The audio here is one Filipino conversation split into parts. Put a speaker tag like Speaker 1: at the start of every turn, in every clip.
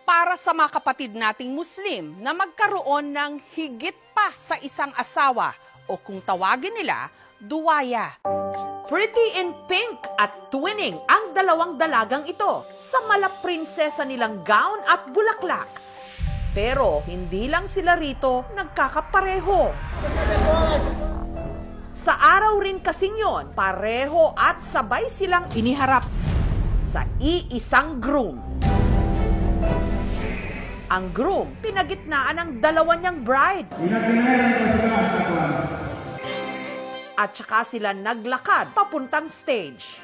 Speaker 1: para sa mga kapatid nating Muslim na magkaroon ng higit pa sa isang asawa o kung tawagin nila, duwaya. Pretty in pink at twinning ang dalawang dalagang ito sa malaprinsesa nilang gown at bulaklak. Pero hindi lang sila rito nagkakapareho. Sa araw rin kasing yon, pareho at sabay silang iniharap sa iisang groom. Ang groom, pinagitnaan ng dalawa niyang bride. At saka sila naglakad papuntang stage.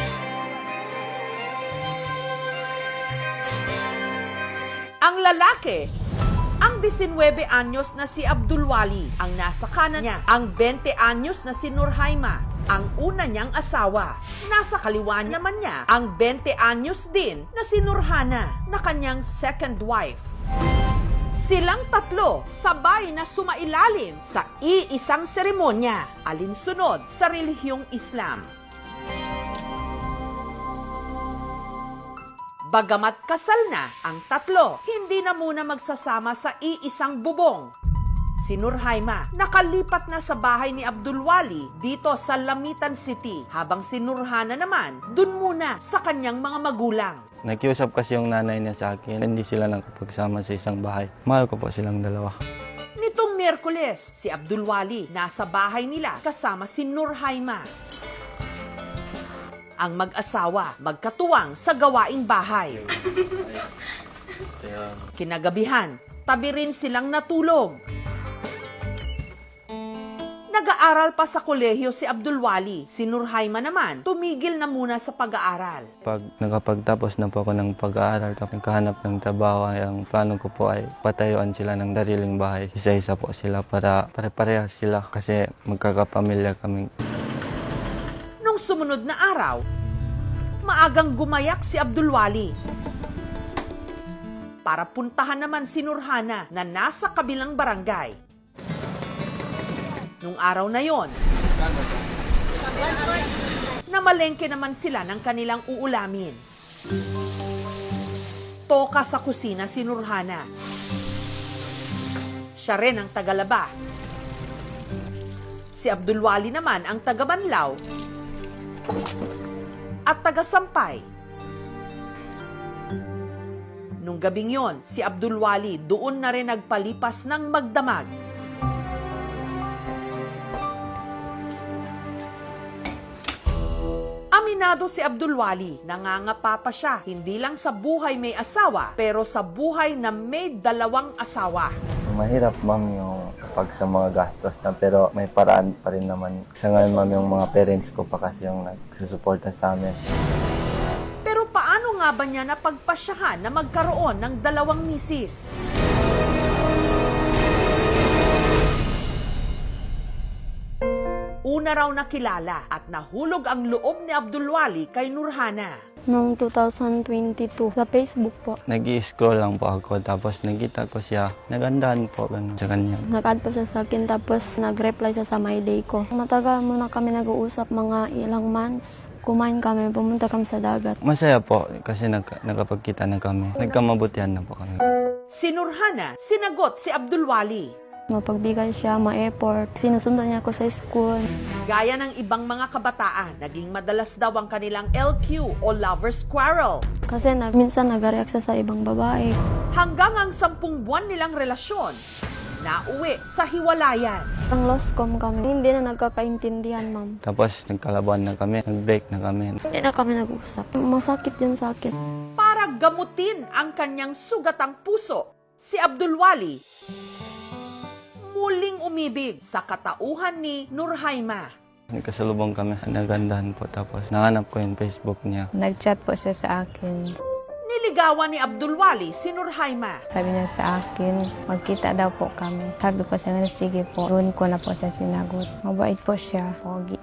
Speaker 1: Ang lalaki, ang 19 anyos na si Abdulwali, ang nasa kanan niya, ang 20 anyos na si Nurhaima, ang una niyang asawa. Nasa kaliwa naman niya, ang 20 anyos din na si Nurhana, na kanyang second wife. Silang tatlo, sabay na sumailalim sa iisang seremonya, alinsunod sa relihiyong Islam. Bagamat kasal na ang tatlo, hindi na muna magsasama sa iisang bubong. Si Nurhaima nakalipat na sa bahay ni Abdulwali dito sa Lamitan City, habang si Nurhana naman dun muna sa kanyang mga magulang.
Speaker 2: Nakiusap kasi yung nanay niya sa akin, hindi sila nakapagsama sa isang bahay. Mahal ko po silang dalawa.
Speaker 1: Nitong Miyerkules, si Abdulwali nasa bahay nila kasama si Nurhaima. Ang mag-asawa magkatuwang sa gawaing bahay. Kinagabihan, tabi rin silang natulog. Nag-aaral pa sa kolehiyo si Abdulwali. Si Nurhaima naman, tumigil na muna sa pag-aaral.
Speaker 2: Pag nakapagtapos na po ako ng pag-aaral, naghahanap ng trabaho, ang plano ko po ay patayuan sila ng dariling bahay. Isa-isa po sila para pare-parehas sila kasi magkakapamilya kami.
Speaker 1: Nung sumunod na araw, maagang gumayak si Abdulwali para puntahan naman si Nurhana na nasa kabilang barangay. Nung araw na yon, namalengke naman sila ng kanilang uulamin. Toka sa kusina si Nurhana. Siya rin ang tagalaba. Si Abdulwali naman ang tagabanlaw at tagasampay. Nung gabing yon, si Abdulwali doon na rin nagpalipas ng magdamag. Aminado si Abdulwali, nangangapa pa siya, hindi lang sa buhay may asawa, pero sa buhay na may dalawang asawa.
Speaker 2: Mahirap, ma'am, yung pag sa mga gastos na, pero may paraan pa rin naman. Sa ngayon, ma'am, yung mga parents ko pa kasi yung nagsusuporta sa amin.
Speaker 1: Pero paano nga ba niya napagpasyahan na magkaroon ng dalawang misis? Una raw nakilala at nahulog ang loob ni Abdulwali kay Nurhana.
Speaker 3: Noong 2022, sa Facebook po.
Speaker 2: Nag-i-scroll lang po ako, tapos nakita ko siya. Nagandahan po ganun sa kanya.
Speaker 3: Nag-add po siya sa akin, tapos nag-reply siya sa my day ko. Matagal muna kami nag-uusap, mga ilang months. Kumain kami, pumunta kami sa dagat.
Speaker 2: Masaya po kasi nakapagkita na kami. Nagkamabutihan na po kami.
Speaker 1: Si Nurhana, sinagot si Abdulwali.
Speaker 3: Mapagbigay siya, ma-effort. Sinusundan niya ako sa school.
Speaker 1: Gaya ng ibang mga kabataan, naging madalas daw ang kanilang LQ o lover's quarrel.
Speaker 3: Kasi minsan nag-react siya sa ibang babae.
Speaker 1: Hanggang ang 10 buwan nilang relasyon, nauwi sa hiwalayan.
Speaker 3: Ang lost com kami, hindi na nagkakaintindihan, ma'am.
Speaker 2: Tapos nagkalaban na kami, nag-break na kami.
Speaker 3: Hindi na kami nag-usap. Masakit yun sa akin.
Speaker 1: Para gamutin ang kanyang sugatang puso, si Abdulwali muling umibig sa katauhan ni Nurhaima.
Speaker 2: Nagkasalubong kami, nagandahan po, tapos nahanap ko yung Facebook niya.
Speaker 4: Nag-chat po siya sa akin.
Speaker 1: Niligawan ni Abdulwali si Nurhaima.
Speaker 4: Sabi niya sa akin, magkita daw po kami. Sabi ko siya na, sige po. Doon ko na po siya sinagot. Mabait po siya. Pogi.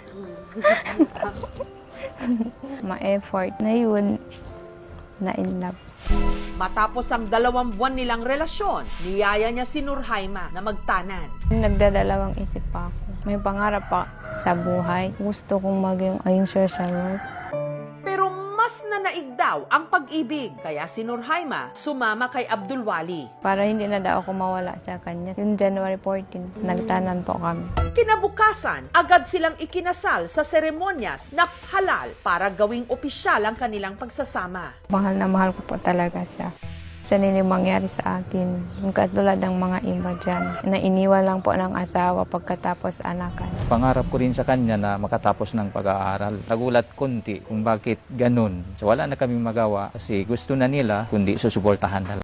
Speaker 4: Ma-effort na yun. Na-in love.
Speaker 1: Matapos ang 2 buwan nilang relasyon, niyaya niya si Nurhaima na magtanan.
Speaker 4: Nagdadalawang isip pa ako. May pangarap pa sa buhay. Gusto kong maging social work.
Speaker 1: Pero Mas nanaig daw ang pag-ibig, kaya si Nurhaima sumama kay Abdulwali.
Speaker 4: Para hindi na daw ako mawala sa kanya. Yung January 14, nagtanan po kami.
Speaker 1: Kinabukasan, agad silang ikinasal sa seremonyas na halal para gawing opisyal ang kanilang pagsasama.
Speaker 4: Mahal na mahal ko po talaga siya. Sa nila mangyari sa akin, yung katulad ng mga iba dyan, na iniwan lang po ng asawa pagkatapos anakan.
Speaker 5: Pangarap ko rin sa kanya na makatapos ng pag-aaral. Nagulat konti kung bakit ganun. So wala na kaming magawa kasi gusto na nila kundi susuportahan na lang.